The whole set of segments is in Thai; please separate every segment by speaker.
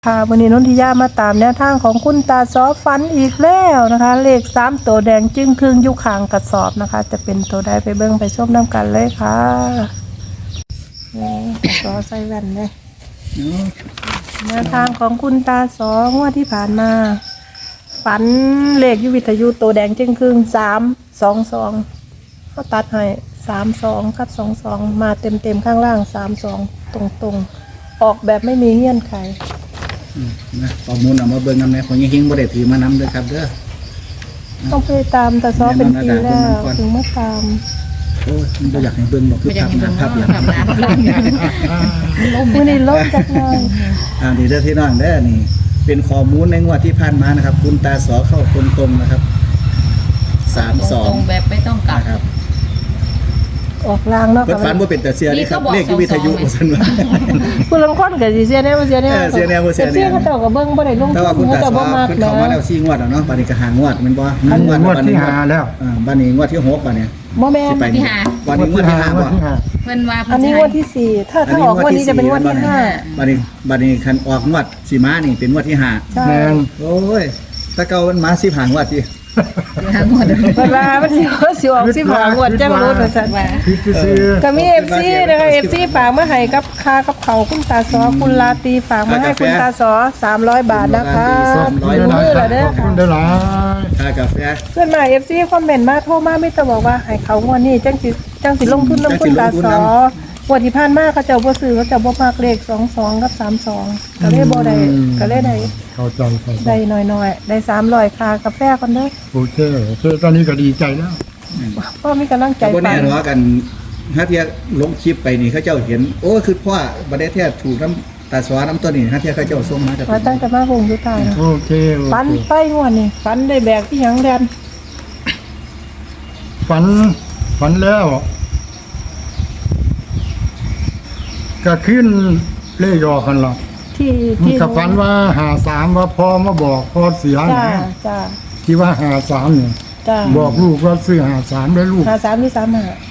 Speaker 1: ค่ะวันนี้นนทิยามาตามแนวทางของคุณตาซอฟันอีกแล้วนะคะ เลข3ตัวแดงจึ้งครึ่งยุคางกระสอบนะคะ จะเป็นตัวใดไปเบิ้งไปชมน้ำกันเลยค่ะซอใส่แว่นเลยแนวทางของคุณตาซองวดที่ผ่านมาฝันเลขยุวิทยุตัวแดงจึ้งครึ่ง322ก็ตัดให้32กับ22มาเต็มข้างล่าง32ตรงๆออกแบบไม่มีเงื่อนไข
Speaker 2: นะข้อมูลเอามาเบิ่งนำในของยิ่งบ่ได้ถือมานำด้วยครับเด้อ
Speaker 1: ต้องไปตามแต่ซ้อเป็นปีแล้วถึงมาตาม
Speaker 2: โอ้ยมันบ่อยากให้เบิ่งบ่คือภาพอย่าง
Speaker 1: มื้อนี้ลงจักหน่อย
Speaker 2: นี่เด้อพี่น้องเด้อนี่เป็นข้อมูลในงวดที่ผ่านมานะครับคุณตาสอเข้าตรงๆนะครับ32
Speaker 3: แบบไม่ต้องกลับ
Speaker 2: ครับ
Speaker 1: ออกลางเนาะ
Speaker 2: เพิ่นฝันบ่เป็นแต่เสียนี่ครับเลขวิทยุว่าซั่นว่า
Speaker 1: ผู้ลางคนก็สิเสียแน่บ่เสียแน่
Speaker 2: เสียแน่บ่เสียแน่
Speaker 1: เขาเจ้าก็เบิ่งบ่ได้ลง
Speaker 2: แต่ว่าคุณตาสอเพิ่นเข้ามาแล้ว4งวดแล้วเนาะบัดนี้ก็5งวดแม่นบ่
Speaker 4: งวดที่5แล้ว
Speaker 2: บัดนี้งวดที่6บัดนี้
Speaker 1: บ่แม่น
Speaker 3: ที่5
Speaker 2: บัดนี้งวดที่5บ่
Speaker 3: เพิ่นว่า
Speaker 1: อันนี้งวดที่4ถ้าออกงวดนี้จะเป็นงวดที่5
Speaker 2: บัดนี้คันออกงวดสิมานี่เป็นงวดที่5
Speaker 1: แม่น
Speaker 2: โอ้ยถ้าเก่ามันมา15งวดติ
Speaker 3: หมด
Speaker 1: เวลามันสิออก15งวดจังรู้ว่าซั่นก็มี FC นะคะ FC ฝากมาให้กับค่ากับเขาคุณตาซอคุณลาตีฝากมาให้คุณตาซอ300 บาทนะคะมื้อละเด้อค่ะ
Speaker 4: ได้หลาย
Speaker 2: ค่ากาแฟ
Speaker 1: เพื่อนมา FC คอมเมนต์มาโทรมาไม่ต้องบอกว่าให้เขางวดนี้จังสิลงทุนนำคุณตาซองวดที่ผ่านมาเขาเจ้าบ่ซื้อเขาเจ้าบ่มักเลข22กับ32ก็เลยบ่ได้ก็เลยได้
Speaker 4: เข้าใจ
Speaker 1: ได้น้อยๆได้300ค่ากาแฟก่อนเด้อ
Speaker 4: โอเคตอนนี้ก็ดีใจแล้ว
Speaker 1: พ่อมีกำลังใจ
Speaker 2: บ่แน่ว่ากันถ้าเที่ยลงคลิปไปนี่เขาเจ้าเห็นโอ้คือพ่อบ่ได้แท้ถูกน้ำตาสวน้ำตัวนี้ถ้าเที่ยเขาเจ้าส่งมาจาก
Speaker 1: ตั้งแต่มาคงอยู่ใต้นะ
Speaker 4: โอเค
Speaker 1: ฝันไปงวดนี่ฝันได้แบกที่หยังแดน
Speaker 4: ฝันแล้วก็ขึ้นเลขออกกันหรอกที่กับฝันว่า53ว่าพ่อมาบอกพ่อเสีย
Speaker 1: จ้า
Speaker 4: ที่ว่า53เนี่ยบอกลูกว่าซื้อ53ได้ลูก
Speaker 1: 53ที่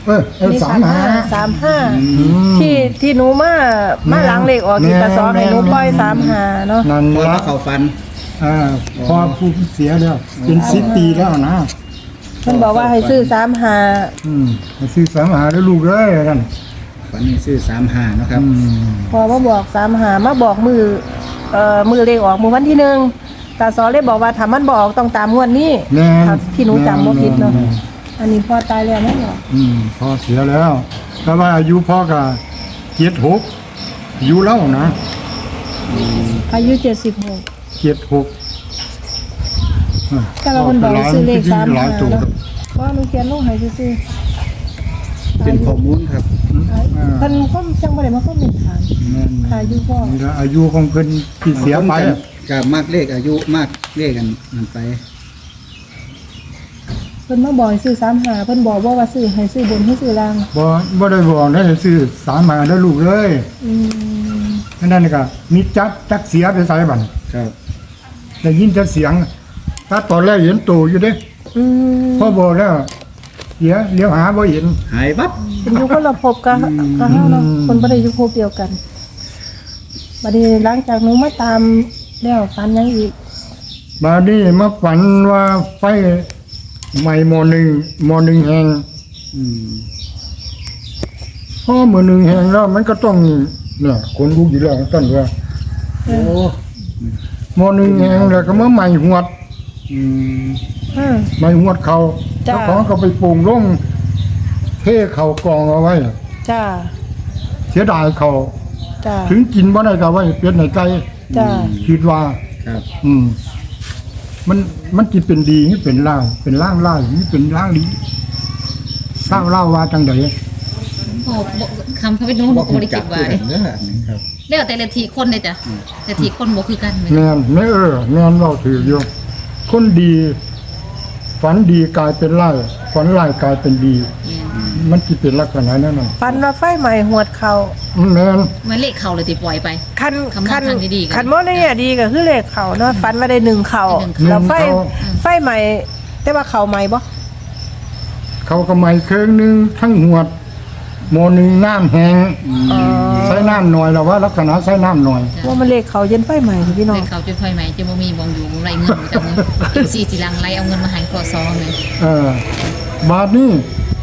Speaker 1: 35ที่หนูมาหลังเลขออกที่ตาซอให้หนูปล่อย35เนาะ
Speaker 4: นั่นละ
Speaker 2: เขาฝัน
Speaker 4: พ่อผู้เสียแล้วเป็น10 ปีแล้วนะ
Speaker 1: เพิ่นบอกว่าให้ซื้อ35
Speaker 4: ให้ซื้อ35ได้ลูกเอ้ยนั่น
Speaker 2: ฝันนี่ซื้อ35เนาะครับ
Speaker 1: พอมาบอก35มาบอกมือเลขออกมือวันที่1ตาซอเลยบอกว่าถ้ามันบอกต้องตามงวดนี้ที่หนูจำบ่ผิดเนาะอันนี้พ่อตายแล้วนะเหรอ
Speaker 4: พ่อเสียแล้วแต่ว่าอายุพ่อก็76อายุแล้วนะ
Speaker 1: อายุ76แต่ว่าคนบอกซื้อเลข35เพราะหนูเขียนลงให้ซื่อ
Speaker 2: เป็นข้อมูลครับ
Speaker 1: เพิ่นก็จังบ่ได้มาคอมเมนต์ถามอายุพ่อ
Speaker 4: อายุของเพิ่นที่เสียไป
Speaker 2: ก็มากเลขอายุมากเลขกันนั่นไป
Speaker 1: เพิ่นมาบอกซื้อ35เพิ่นบอกว่าซื้อให้ซื้อบนให้ซื้อล่าง
Speaker 4: บ่ได้บอกให้ซื้อ35แล้วลูกเลยนั่นก็มีจักเสียไปไสบัด
Speaker 2: ครับ
Speaker 4: ได้ยินแต่เสียงถ้าตอนแรกเห็นโตอยู่เด้พ่อบอกแล้วเลี้ยวหาบ่เห็น
Speaker 2: หายวับ
Speaker 1: เป็นอยู่คนละภพกันเฮาเนาะคนบ่ได้อยู่ภพเดียวกันบัดนี้หลังจากหนูมาตามแล้วฝันยังอีก
Speaker 4: บัดนี้มาฝันว่าไฟใหม่ม.1 แห่งพอมื้อ1แห่งแล้วมันก็ต้องเนี่ยคนรู้อยู่แล้วซั่นว่า
Speaker 2: โอ้
Speaker 4: ม.1 แห่งแล้วก็มาใหม่หวดใหม่หวดเขาเจ้าของก็ไปปลูกลงเทเขากองเอาไว้
Speaker 1: จ้า
Speaker 4: เสียดายเขา
Speaker 1: จ้า
Speaker 4: ถึงกินบ่ได้ก็ไว้เป็ดในไก่
Speaker 1: จ้า
Speaker 4: คิดว่า
Speaker 2: ครับ
Speaker 4: มันสิเป็นดีนี่เป็นล่างเป็นล่างล่างนี่เป็นล่างดีสร้างเล่าว่าจังได๋
Speaker 3: คำพระวิโนบ่ได้คิดว่าแล้วแต่ละทีคนเลยจ้ะแต่ทีคนบ่คือกัน
Speaker 4: แม่นแม่แม่นเว้าถืออยู่คนดีฝันดีกลายเป็นร้ายฝันร้ายกลายเป็นดีมันสิเป็นลักษณะนั้นน่ะ
Speaker 1: ฝันว่าไฟไหม้หวดเขา
Speaker 4: แม่น
Speaker 3: มันเลขเขาเลยที่ปล่อยไป
Speaker 1: คันบ่ได้ดีก็คือเลขเขาเนาะฝันว่าได้1เขาแล้วไฟไหม้แต่ว่าเขาไหม้บ่
Speaker 4: เขาก็ไหม้เครื่องนึงทั้งหวดโมอหนึงน้ำแห้ง
Speaker 1: อ๋อ
Speaker 4: ใช้น้ำหน่อยแล้วว่าลักษณะใช้น้ำหน่อย
Speaker 1: ว่ามันเลขเขาเย็นไฟใหม่พี่น้อ
Speaker 3: เล
Speaker 1: ง
Speaker 3: ยเขาจะไฟไหมจะบ่มีบองอยู่ไรเงินจากมือกินซีจีรังไรเอาเงินมาให้ขอซองเลย
Speaker 4: บาทนี้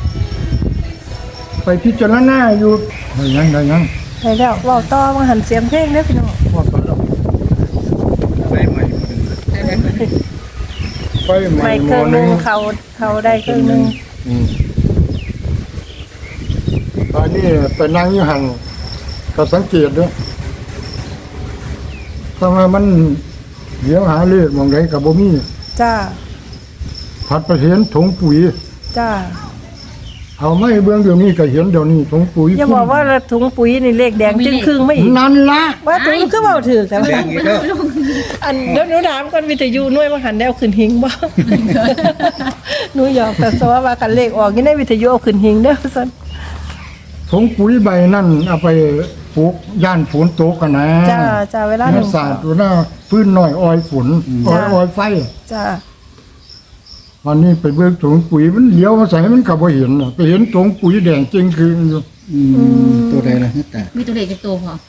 Speaker 4: ไปพิจารณาอยู่ได้ยังได้ยัง
Speaker 1: ใช่แล้วเว้าต่อมาหันเสียงเพลงเด้อพี่น้อง
Speaker 4: ว่าไปแล้ว
Speaker 2: ไฟใหม่หมดเลย
Speaker 4: ไฟใหม่
Speaker 1: ไม่
Speaker 4: โม
Speaker 1: เครื่อง
Speaker 4: อห
Speaker 1: ห
Speaker 4: นึ
Speaker 1: นึ
Speaker 4: ง
Speaker 1: งเขาได้เครื่องหนึง
Speaker 4: อันนี้ไปนั่งอยู่หันก็สังเกตด้วยทำไมมันเดี๋ยวหาเลขมองไดกับบ่มี
Speaker 1: จ้า
Speaker 4: ผัดไปเห็นถุงปุ๋ย
Speaker 1: จ้า
Speaker 4: เอาไม่เบื้องเดี๋ยวนี้ก็เห็นเดี๋ยวนี้ถุงปุ๋ย
Speaker 1: อย่าบอกว่าถุงปุ๋ยนี่เลขแดงจึงครึ่งไม่อีก
Speaker 4: นั่นละ
Speaker 1: ว่าถุงคือเว้าถือแต่ว่า
Speaker 2: แดงอีกแล้ว
Speaker 1: อันเดี๋ยวหนูถามก่อนวิทยุหน่วยมาหันได้เอาขึ้นหิงบ่ หนูหยอกแต่สว่ากันเลขออกนี่ในวิทยุเอาขึ้นหิงเด้อซั่น
Speaker 4: ถุงปุ๋ยใบนั่นเอาไปปลูกย่านฝนตกกันนะ
Speaker 1: จ้าเวลาห
Speaker 4: เนื้
Speaker 1: นู
Speaker 4: อสาดดูหน้าพื้นหน่อยออยฝนออยไฟ
Speaker 1: จ้า
Speaker 4: วันนี้ไปเบิ่งถุงปุ๋ยมันเลี้ยวมาใส่มันก็บ่เห็นน่ะไปเห็นถุงปุ๋ยแดงจริงคืออยู่
Speaker 2: ตัวใดล่ะตา
Speaker 3: มีตัวเด็กจะโตพอ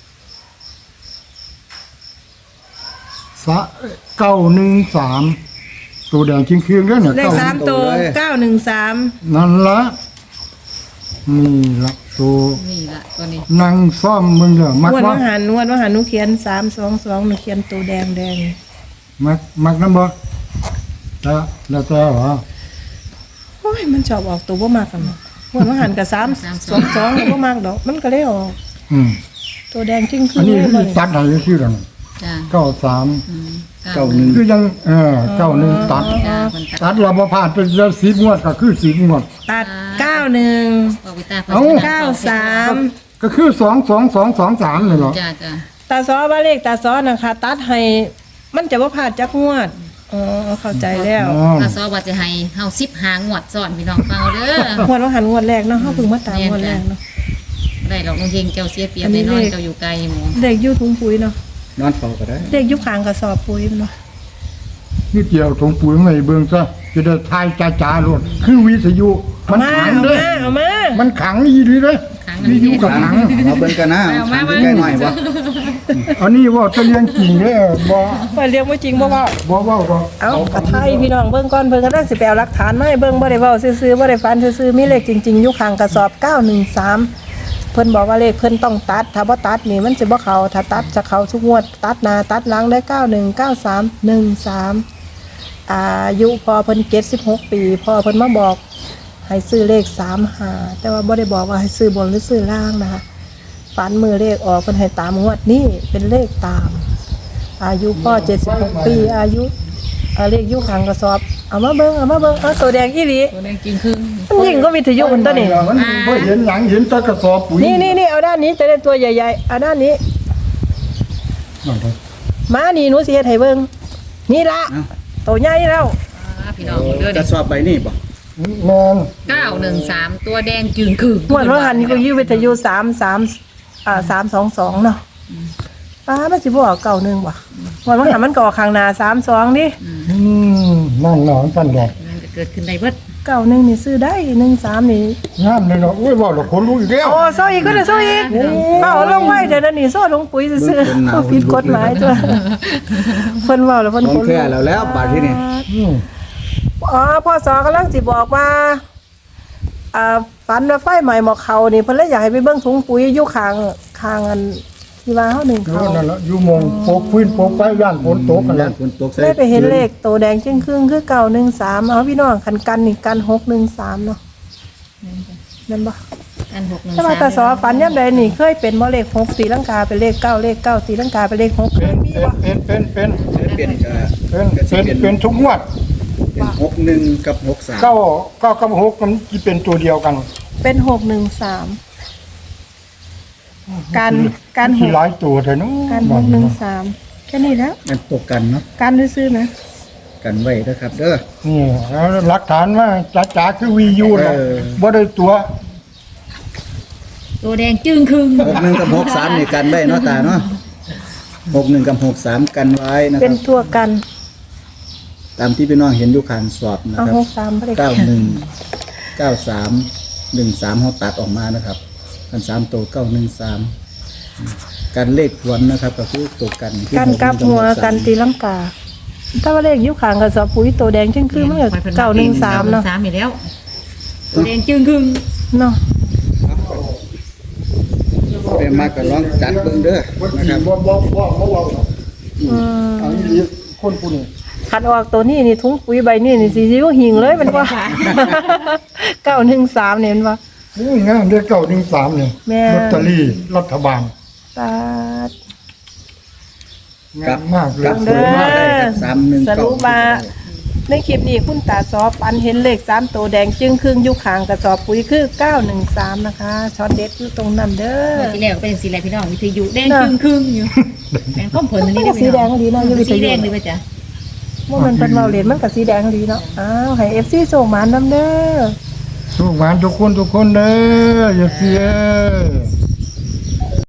Speaker 4: สะ913ตัวแดงจริงคือแล้วเนี่ย
Speaker 1: เลข
Speaker 4: เก้า
Speaker 1: 3ตัว913
Speaker 4: นั่นละนี่ละตัว
Speaker 3: นี่ละตัวนี้
Speaker 4: นั่งซ่อมมึงเหรอมัก
Speaker 1: งวด
Speaker 4: ว่า
Speaker 1: ว่าหันหนูเขียน322หนูเขียนตัวแดง
Speaker 4: มักน้ำบ่แต่แล้วแต่เหรอ
Speaker 1: โอ้ยมันชอบออกตัวบ่มากกันงวดว่าหันกับ322แล้วบ่มากดอกมันก็เลยออก
Speaker 4: อืม
Speaker 1: ตัวแดงจริงคื
Speaker 4: อัน
Speaker 1: อ
Speaker 4: นี้
Speaker 1: เลย
Speaker 4: คือตัดให้ชื่อกัน
Speaker 3: จ้า
Speaker 4: 93
Speaker 2: เก้าหนึ่ง
Speaker 4: คือยัง91ตัด
Speaker 3: จ้าคน
Speaker 4: ตัดเราบ่พลาดเป็นจะ10งวดก็คือ10งวด
Speaker 1: ตัด91
Speaker 3: บอกวิตา
Speaker 4: เอ้า
Speaker 1: 93
Speaker 4: ก็คือ22223นี่เหรอ
Speaker 3: จ้าจ้า
Speaker 1: ตาซ้อว่าเลขตาซ้อนะคะตัดให้มันจะบ่พลาดจักงวดอ๋อเข้าใจแล้ว
Speaker 4: อ๋อ
Speaker 3: ถ้าซอว่าจะให้เฮา10หางวดซ้อนพี่น้องฟังเอาเด้อง
Speaker 1: วดว่าหันงวดแรกเนาะเฮาเพิ่งมาตามงวดแรกเนาะ
Speaker 3: ได้หรอกน้องเฮงเจ้าเสียเปรียบได้นอนเจ้าอยู่ไกลหมู
Speaker 1: เด็กอยู่ถุงปุ๋ยเนาะ
Speaker 2: นอนเฝ้าก็ได้
Speaker 1: เด็กอยู่ข้างกระสอบปุ๋ยเนาะ
Speaker 4: นี่เกี่ยวถุงปุ๋ยไม่เบิ่งซะจะได้ทายจ้าๆโลดคือวิทยุมันขังเด้อ
Speaker 1: เอามา
Speaker 4: มันขังอีหลีเด้อ
Speaker 3: ครั้ง
Speaker 4: วิทยุก็ขัง
Speaker 2: เราเบิ่งกันนะทางใกล้หน่อยบ่
Speaker 4: อันนี้ว่าจะเรียนจริงเด้อบ่
Speaker 1: ไปเรียกว่าจริงบ่ว่า
Speaker 4: บ่เว้าบ่
Speaker 1: เอากระไทยพี่น้องเบิ่งก่อนเพิ่นกำลังสิไปเอาหลักฐานมาให้เบิ่งบ่ได้เว้าซื่อๆบ่ได้ฟันซื่อๆมีเลขจริงๆอยู่ข้างกระสอบ913เพิ่นบอกว่าเลขเพิ่นต้องตัดถ้าบ่ตัดนี่มันสิบ่เข้าถ้าตัดจะเข้าทุกงวดตัดหน้าตัดหลังได้919313อายุพอเพิ่น76ปีพอเพิ่นมาบอกให้ซื้อเลข35แต่ว่าบ่ได้บอกว่าให้ซื้อบนหรือซื้อล่างนะคะฝันมือเลขออกเพิ่นให้ตามงวดนี้เป็นเลขตาม อายุพ่อ76ปีอายุเลขอยู่ข้างกระสอบเอามาเบิ่งเอาตัวแดงอีหลี
Speaker 3: ตัวนี้จริงคือ
Speaker 1: มันยิ่งก็วิทยุมันตัวนี้
Speaker 4: มันบ่เห็นหยังเห็นแต่กระสอบปุ๋ย
Speaker 1: นี่เอาด้านนี้จะได้ตัวใหญ่ๆเอาด้านนี้
Speaker 4: นั่นเด้อ
Speaker 1: มานี่หนูสิเฮ็ดให้เบิ่งนี่ละตัวใหญ่แล้ว
Speaker 3: พี่น้องเด้อก
Speaker 2: ระสอบใบนี่บ่
Speaker 4: แม่น
Speaker 3: 913ตัวแดงจึงคือ
Speaker 1: งวดว่าหันนี่ก็อยู่วิทยุ322เนาะมันสิบ่ออก91ว่ะงวดว่าหันมันก็ออกข้างหน้า32ดิ
Speaker 4: นั่นเนาะท่านดอก
Speaker 3: มันจะเกิดขึ้นได้เบิด
Speaker 1: 91นี่ซื้อได้13นี่
Speaker 4: งามเลยเนาะโอ้ยเว้าแล้วคนรู้อีกแล้ว
Speaker 1: โอ้โซ่อีกก็ได้โซ่อีกเอาลงไว้เดี๋ยวนี้โซ่ลงปุ๋ยซื่อๆเขาผิดกฎหมายจ้ะเพิ่นเว้าแล้วเพิ่น
Speaker 2: ของแท้แล้วบาดที่นี่
Speaker 4: อืม
Speaker 1: พ่อสอกำลังสิบอกว่าฝันว่าไฟใหม่หมอกเขานี่เพิ่นเลยอยากให้ไปเบิ่งถุงปุ๋ยอยู่ข้างอันที่ว่าเฮาหนึ่ง
Speaker 4: เอ
Speaker 1: เขา
Speaker 4: อนั่นล่ะอยู่หมองโปกพื้นโปกไฟย่านฝนตกกันแห
Speaker 2: ย่า
Speaker 4: ละ
Speaker 2: นฝนตกใส่
Speaker 1: ได้ไปเห็นเลขโตแดงจึงครึ่งคือ913เอาพี่น้องกันนี่กัน613เนาะแม่นบ่
Speaker 3: อัน613
Speaker 1: ถ้าว่าตาสอฝันยามใดนี่เคยเป็นบ่เลข6ตีลังกาเป็นเลข9เลข9ตีลังกาเป็นเลข6เคยมีบ่
Speaker 2: เปลี่ยนก็
Speaker 4: เป็นทุกงวด
Speaker 2: เป็น61กับ63
Speaker 4: เก้ากับ6มันสิเป็นตัวเดียวกัน
Speaker 1: เป็น613การ
Speaker 4: ที่หลายตัวแท้เนาะ
Speaker 1: การ613แค่นี้แล้ว
Speaker 2: มันตกกันเนาะ
Speaker 1: การซื้อๆนะ
Speaker 2: กันไว้นะครับเด้อ
Speaker 4: นี่แล้วหลักฐานว่าจ๋าๆคือวียูเนาะ
Speaker 2: เออ
Speaker 4: บ่ได้ตัว
Speaker 3: ตัวแดงจึงครึ่ง
Speaker 2: 61กับ63นี่กันไว้เนาะตาเนาะ61กับ63กันไว้นะค
Speaker 1: เป็น
Speaker 2: รับ
Speaker 1: ทั่วกัน
Speaker 2: ตามที่พี่น้องเห็นอยู่ข้างสอบนะ
Speaker 1: เอา
Speaker 2: ครับ
Speaker 1: 63บ่ได้
Speaker 2: 91 93 13เขาตัดออกมานะครับกัน3ตัว913กันเลขทวนนะครับก็คือตัวกันที่
Speaker 1: กันกลับหัวกันตีลังกา ถ้าว่าเลขยุคขางกับสอบปุ๋ยตัวแดงจึงคือมันก็913เนาะ
Speaker 3: 3อยู่แล้วตัวแดงจึงครึ่ง
Speaker 1: เนาะ
Speaker 2: เป็นมาก็ลองจัดเบิ่งเด้อ
Speaker 4: วัน
Speaker 2: นะ
Speaker 4: ที่
Speaker 2: ครับ
Speaker 4: บ่อันนี้คนผู้นี้
Speaker 1: คันออกตัวนี้นี่ถุงปุ๋ยใบนี่นี่สิอยู่หิงเลยมันว่า 913เนี่ยมันว่า
Speaker 4: นี่งานเดือน913เนี่ย
Speaker 1: แม่
Speaker 4: ลอตเตอรี่รัฐบาล
Speaker 1: ตาด
Speaker 4: งามมากเลย
Speaker 2: กลับหัวมาได้ครับ319
Speaker 1: สรุปว่าในคลิปนี้คุณตาซอฝันเห็นเลข3ตัวแดงจึงครึ่งอยู่ข้างกระสอบปุ๋ยคือ913นะคะช็อตเด็ดอยู่ตรงนั้นเด้อ
Speaker 3: ที่แรกก็เป็นสีอะไรพี่น้องวิทยุแดงครึ่งอยู่แดงข้อมผลอันนี้ได้
Speaker 1: สีแดงดีเนาะอยู่วิท
Speaker 3: สีแด
Speaker 1: ยุ
Speaker 3: งเลยป่ะจ๊ะ
Speaker 1: ว่ามันเป็นเบาเหรียญมันกับสีแดงดีเนาะอ้าวให้ FC ส่งมานำเด้อ
Speaker 4: ทุกงานทุกคนเด้ออย่าเสีย